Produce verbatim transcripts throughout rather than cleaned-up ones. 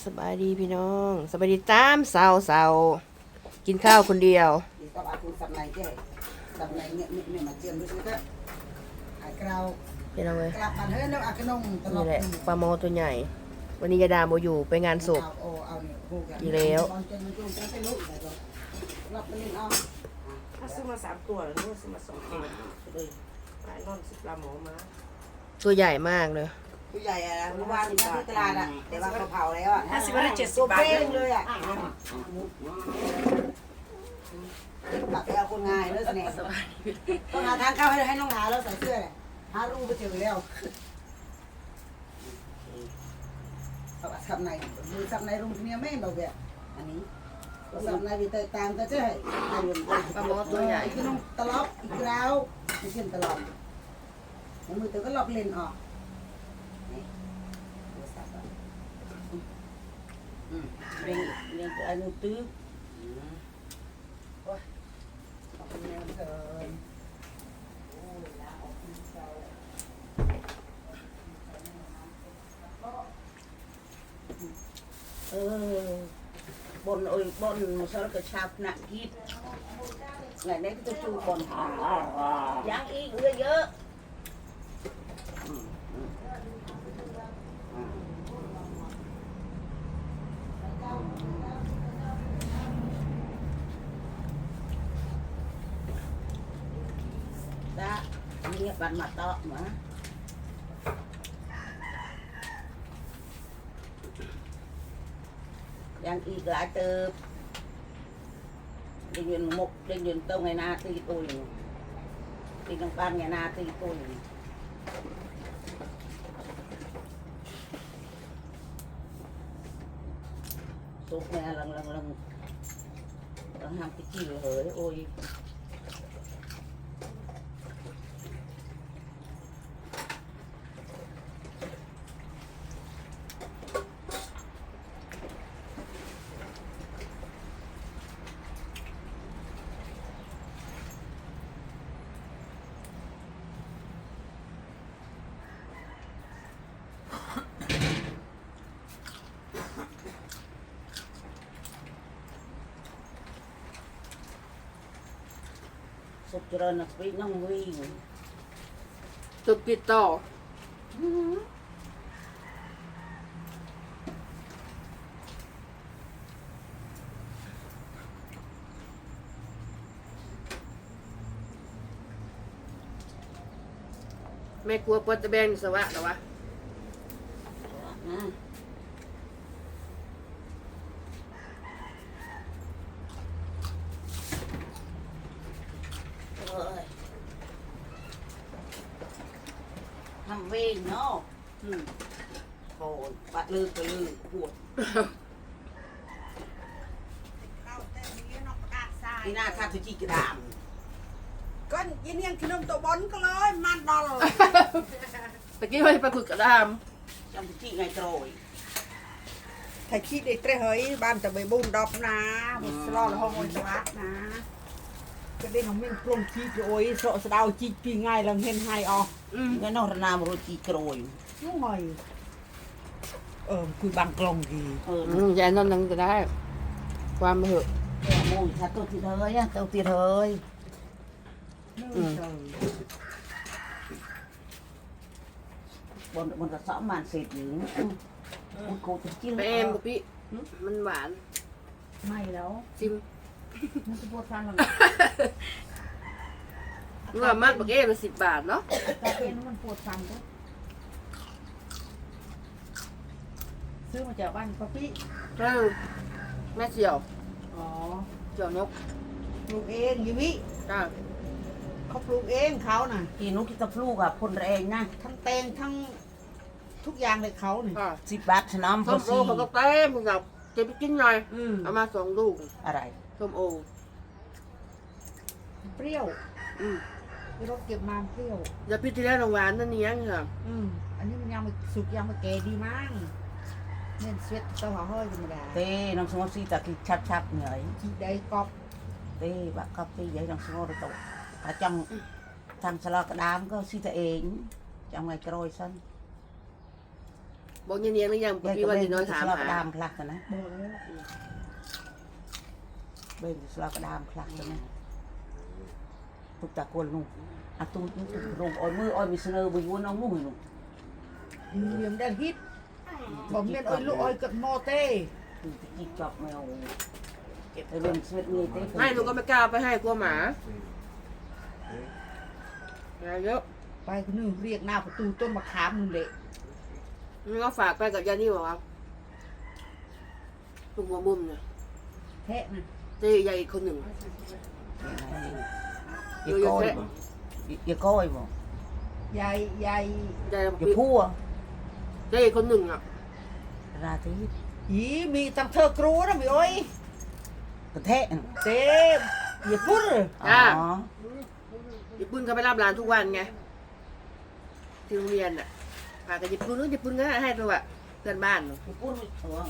สบายดีพี่น้องสบายดีตามเสาเสากินข้าวคนเดียว thì các bạn cũng sập này chứ sập này miệng miệng miệng mà chiêm được chứ hải cao พี่น้องเลย các bạn hết nó ăn cái nông tao นี่ lọc แหละปลาโมตัวใหญ่ วันนี้ยาดาโมอยู่ไปงานศพ ao ao ao này cô cả อีกแล้ว con chân nó chung cái lỗ này rồi lọc lên ao ถ้าซื้อมาสามตัวหรือว่าซื้อมาสองตัวเลยหลายร่อนสิบลาหมอมาตัวใหญ่มากเลย tôi dạy à hôm qua thì đi tây lan ạ để bà khẩu khẩu đấy ạ ห้าสิบวันละเจ็ดสิบ tôi บาท phê rồi ạ bà phải ao con ngài nữa này con ngà tháng cao hay hay nó ngà nó phải xưa này há ru bây giờ leo các bạn sập này vì sập này rung kia mấy bảo vệ anh ấy sập này vì tây tàng ta chứ hay hay luôn ปลาโมตัวใหญ่ cái nông tà lóp cái rau cái chân tà lóp nó mới tới cái lóp lên họ lên lên cái anh tứ ôi ờ bọn ơi bọn sao cái chạp nặng kít ngày đấy cái tôi chu bọn dáng y người dơ đã nghe bạn mặt to mà đang y lại từ đi nhìn một đi nhìn tông ngày na thì tôi đi trong ban ngày na thì tôi sốt nghe lần lần lần lần ham cái chiều hỡi ôi sụp cho nó bị nó nguy ตัวปิดต่อแม่กลัวปวดตะแบงสวะหรอวะทำเองเนาะอืมโอ้ยปัดลือไปลือปวดนี่น่าทาตุจิกระดามก็ยินยังขนมตัวบอลก็เลยมันดอลตะกี้ไปปลาฝึกกระดามจำตุจิไงโตรยถ้าคิดได้เตะเฮ้ยบ้านจะไปบุญดอกนะมันสลอดห้องมันสวัสดนะก็ได้ของมันปรุงชีสโอ้ยโสดดาวจีปีง่ายลังเห็นไฮออกอืมงั้นนรนามโรจิกรอยน้อยเออคุยบางกลองดีเอออืมยายนอนนั่งจะได้ ความมาเหอะมูยถ้าตัวติดเฮ้ยอะตัวติดเฮ้ยอืมบนบนกระสอบมันเสร็จหรือมันโคตรจิ้มไปเอมกับพี่มันหวานไม่แล้วซิมมันจะปวดฟันหรอเมื่อมากบักเอมละสิบบาทเนาะแต่เป็นมันปวดฟันก็ซื้อมาจากบ้านป้าปี้เออแม่เสี่ยวอ๋อเสี่ยวนกปลูกเองยิวิจ้าเขาปลูกเองเขาน่ะกินนุกิตาฟลูกอะพ่นแรงนะทั้งแตงทั้งทุกอย่างเลยเขาเนี่ยอ่าสิบบาทถนอมพส้อมโอซีเขาก็เต็มกับเก็บไปกินหน่อยอืมเอามาสองลูกอะไรส้มโอเปรี้ยวอืมที่เราเก็บมาเปรี้ยวอย่าพี่ที่แรกโรงหวานนั่นนี่ยังค่ะอืมอันนี้มันยังไม่สุกยังไม่แก่ดีมั้งเนี่ยเสวตเต้าหาห้อยธรรมดาเต้น้องสมอซีตะกี้ชับชับเหนื่อยที่ได้กรอบเต้บักกับเต้ยัยน้องสมอระตกถ้าจังทำสลักกระดามก็ซีตะเองจังไงกรอยสั้นบอกเนียนๆหรือยังพี่วันนี้น้อยถามสลับหาดามคลักกันนะบอกแล้วเบนสลับดามคลักกันนะตุกตะโกนลุงอะตุกตุกลงอ้อยมืออ้อยมีเสนอบุญวนเอามือลุงเรียมได้ฮิตบอกเมียนอ้อยลูกอ้อยกัดมอเต้จิกจอบแมวเก็บเรื่องสวีทนี่เต้ให้หนูก็ไม่กล้าไปให้กลัวหมาอะไรเยอะไปคนนึงเรียกหน้าประตูต้นมะขามมึงเละนี่ก็ฝากไปกับยานี่บอกว่าลุงหัวมุมเนี่ยแทะนะเจ๊ใหญ่อีกคนหนึ่งอย่าก้อยบ่อย่าก้อยบ่ยายยายใหญ่อย่าพัวเจ๊อีกคนหนึ่งอ่ะราตรีอีมีตั้งเธอกรูนะมีอ้อยกระแทกเต็มอย่าพูดอ๋อญี่ปุ่นเขาไปรับร้านทุกวันไงที่โรงเรียนอ่ะพากันญี่ปุ่นนู้นญี่ปุ่นก็ให้ตัวเพื่อนบ้านอย่าพูดหัว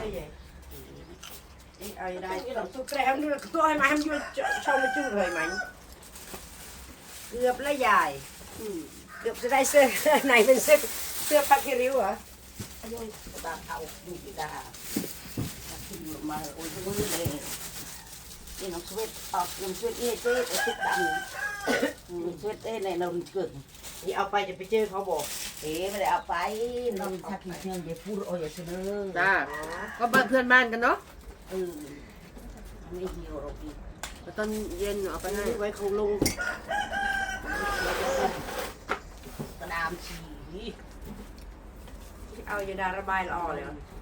เอาได้ต้องตุ๊กแกมด้วยตัวให้มันให้มันอยู่ช่องมันจุ่มเลยมันเกือบละยายเกือบจะได้เสื้อไหนเป็นเสื้อเสื้อพักริ้วเหรออายุตาเอาดูดีดาขึ้นมาโอ้ยมือเลยนี่น้องสวีทออกน้องสวีทนี่เจ๊ไอ้ติ๊กดำน้องสวีทเอ้ในเราเกิดนี่เอาไปจะไปเจอเขาบอกเอ๋ไม่ได้เอาไปน้องทักเพียงอย่าพูดโอ้ยอย่าเสนอจ้าก็เพื่อนบ้านกันเนาะเออไม่เหี่ยวหรอกพี่ตอนเย็นเอาไปให้ไว้ของลุงกระดามฉีเอายาดาระบายละออเลย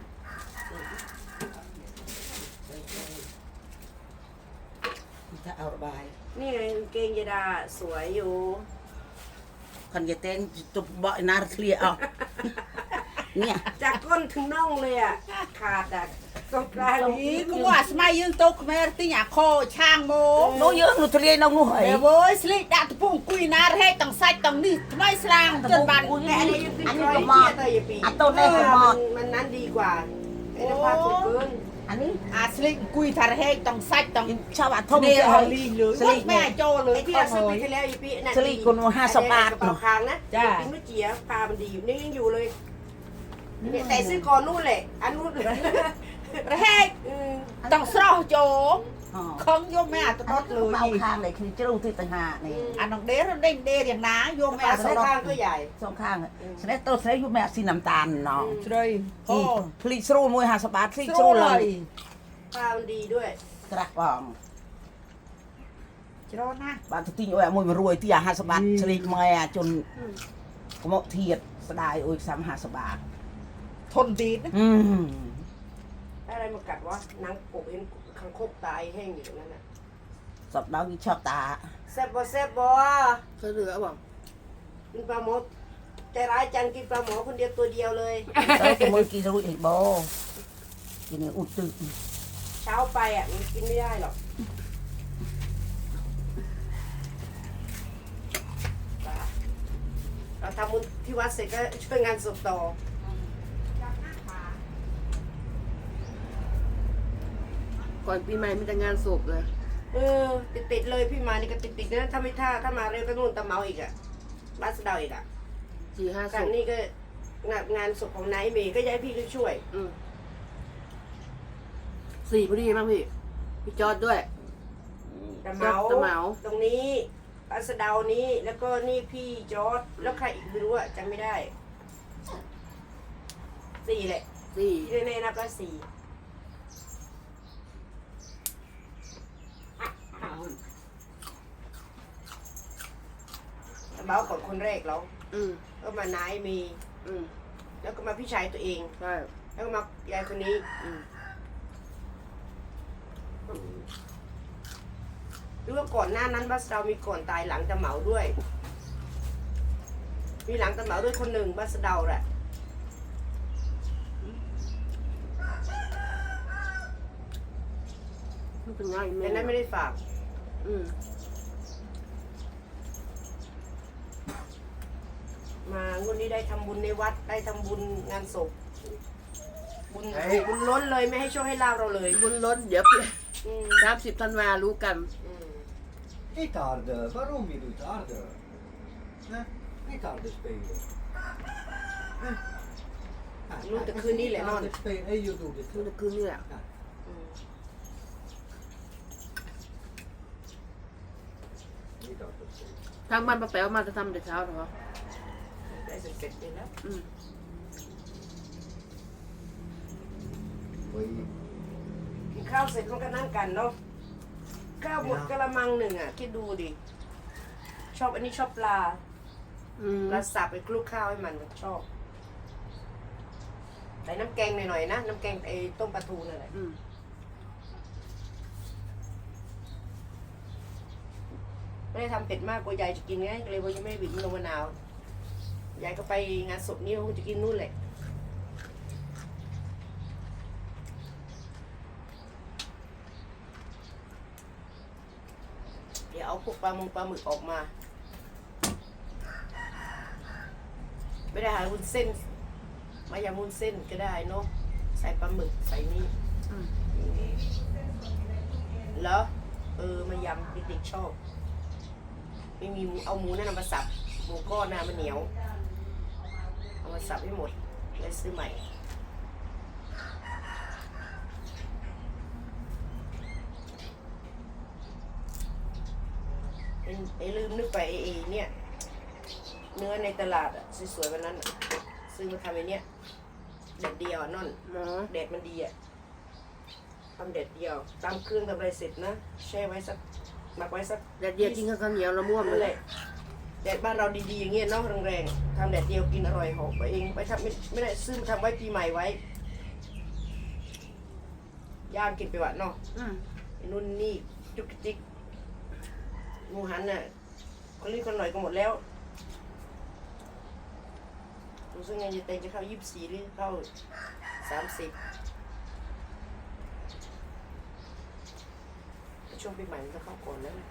ถ้าเอาระบายนี่ไงเกงยาดาสวยอยู่คันจะเต้นจะบ่อยนาเคลียเอาเนี่ยจากก้นถึงน่องเลยอ่ะขาดอ่ะตรงกลางนี้ก็ว่าสมัยยืนโต๊ะแม่ที่อยากคอช่างโมโน้เยอะหนูทะเลน้องหนูเหยเดี๋ยวเว้ยสลิดดาตะปุ่งกุยนาให้ตังไส้ตังนี่ทำไมสลางจนบานแม่อันนี้ยังติดรอยเกียร์เตยปีอันต้นได้คือมอดมันนั้นดีกว่าไอ้น้ำปลาสุดเกินอันนี้อาสลิดกุยทาร์ให้ตังไส้ตังชาวบ้านททุ่มมเนจะรเอาลีเลยสลิดแม่โจเลยที่เราซื้อไปที่แล้วอีปีนั่นสลิดคนห้าสิบบาทกระเป๋าคางนะจ้าปีเมื่อกี้ปลามันดีอยู่นี่ยังอยู่เลยเนี่ยแต่ซื้อก่อนนู่นแหละอันนู่นระแหกต้องสร้างโจคงโยมแม่ตลอดเลยเมาคางเลยคือจะรู้ที่ต่างหากนี่อันน้องเด้เด้งเด้อย่างน้าโยมแม่สองข้างก็ใหญ่สองข้างสนิทตัวสนิทอยู่แม่สีน้ำตาลเนาะเลยโอ้ผลิตสูมวยห้าสิบบาทผลิตสู้สูเลเลย ยปลามันดีด้วยกระปองจะรอนะบ้านทุกทีโอ้ยมวยมารวยที่ห้าสิบบาทสลิดมาจนกมกเทียดสดายโอ้ยซ้ำห้าสิบบาททนดีนะอืมอะไรมากัดวะนางกบเห็นคังคกตายแห้งอยู่ตรงนั้นน่ะสับดาวกินชอบตาแซ่บบ่แซ่บบ่เคยเหลือบอกกินปลาหมอใจร้ายจังกินปลาหมอคนเดียวตัวเดียวเลยแต่ก็มือกินรู้อีกบ่กินเนี่ยอุดตึกเช้าไปอ่ะมันกินไม่ได้หรอกเราทำบุญที่วัดเสร็จก็ช่วยงานศพต่อก่อนปีใหม่มีแต่งานศพเลยเออติดติดๆเลยพี่มานี่ก็ติดติดๆนะถ้าไม่ถ้าถ้ามาเร็วก็นู่นตะเมาอีกอ่ะบ้านสะเดาอีกอ่ะสี่ห้าคศรั้งพนี้ก็งานงานศพของนายเมย์ก็ย้ายพี่ก็ช่วยอืมสี่พอดีมั้งพี่พี่จอดด้วยตะเมาตะเมาตรงนี้บ้านสะเดานี้แล้วก็นี่พี่จอร์ดแล้วใครอีกไม่รู้อ่ะจำไม่ได้สี่แหละสี่ที่แน่ๆนับก็สี่ตะเมาก่อนคนแรกแล้วอืมก็มานายเมย์อืมแล้วก็มาพี่ชายตัวเองใช่แล้วก็มายายคนนี้อืมหรือว่าก่อนหน้านั้นบัสเรามีก่อนตายหลังตะเหมาด้วย มีหลังตะเหมาด้วยคนหนึ่งบัสเดาแหละมันเป็นง่ายแต่แม่นั้นไม่ได้ฝากอืมมางวดนี้ได้ทำบุญในวัดได้ทำบุญงานศพบุญบุญล้นเลยไม่ให้โชคให้ลาบเราเลยบุญล้นเดี๋ยวอืมสามสิบธันวารู้กันอืม Niet harder, waarom je doet harder? Nee, niet harder spelen. Nee. Ja, รู้แต่คืนนี้แหละนอน Het spelen, hey, you do this. คืนคืนนี่แหละอืม Niet altijd spelen. ทางบ้านป้าแป๋วมาจะทำแต่เช้าเหรอได้เสร็จๆเลยแล้วอืม Hoi. กินข้าวเสร็จมันก็นั่งกันเนาะข้าวหมดกะละมังหนึ่งอ่ะคิดดูดิชอบอันนี้ชอบปลาอืมปลาสับไปคลุกข้าวให้มันชอบใส่น้ำแกงหน่อยๆนะน้ำแกงไอ้ต้มปลาทูนั่นแหละอืมไม่ได้ทำเผ็ดมากกลัวยายจะกินไงก็เลยว่ายังไม่ได้บีบลงมะนาวยายก็ไปงานศพนี่เขาจะกินนู่นแหละเดี๋ยวเอาพวกปลาหมึกปลาหมึกออกมา ไม่ได้หาวุ้นเส้น มายำวุ้นเส้นก็ได้เนาะใส่ปลาหมึกใส่นี่อืมแล้วเออมายำเด็กๆชอบ ไม่มีเอาหมูนั่นนะมาสับหมูก้อนนะมันเหนียว เอามาสับให้หมดเลยซื้อใหม่ไอ้ไอ้ลืมนึกไปไอ้ไอ้เนี่ย เนื้อในตลาดอะสวยๆวันนั้นอะซื้อมาทำไอ้เนี่ยเด็ดเดียวอะนั่นหมอแดดมันดีอะทำแดดเดียวตามเครื่องทำอะไรเสร็จนะแช่ไว้สักหมักไว้สักแดดเดียวกินข้าวเหนียวละม่วงนั่นเลแหยละแดดบ้านเราดีๆอย่างเงี้ยเนาะแรงๆทำแดดเดียวกินอร่อยหอมไปเองไปทำไม่ไม่ได้ซื้อมาทำไว้ปีใหม่ไว้ย่างกินไปวะเนาะอืมไอ้นู่นนี่จุกจิกหมูหันน่ะคนรีบคนหน่อยก็หมดแล้วรู้สึกไงจะเต็งจะเข้ายี่สิบสี่หรือเข้าสามสิบช่วงปีใหม่มันจะเข้าก่อนแล้วนะ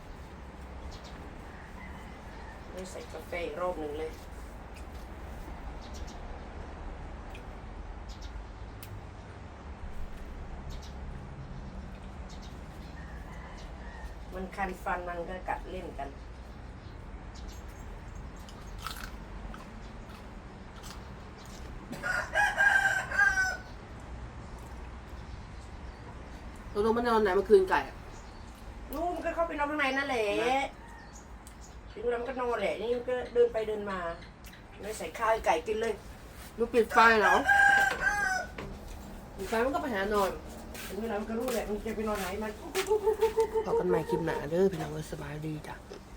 ไม่ใส่กาแฟอีกรอบหนึ่งเลย มันคันฟันมันก็กัดเล่นกันตกลงมันนอนไหนเมื่อคืนไก่อะนู่นมันก็เข้าไปนอนข้างในนั่นแหละถึงเวลามันก็นอนแหละ นี่มันก็เดินไปเดินมาไม่ใส่ข้าวให้ไก่กินเลยมันปิดไฟเหรอปิดไฟมันก็ไปหานอนถึงเวลามันก็รู้แหละมันจะไปนอนไหนมันพบกันใหม่คลิปหน้าเด้อพี่น้องเอ้ยสบายดีจ้ะ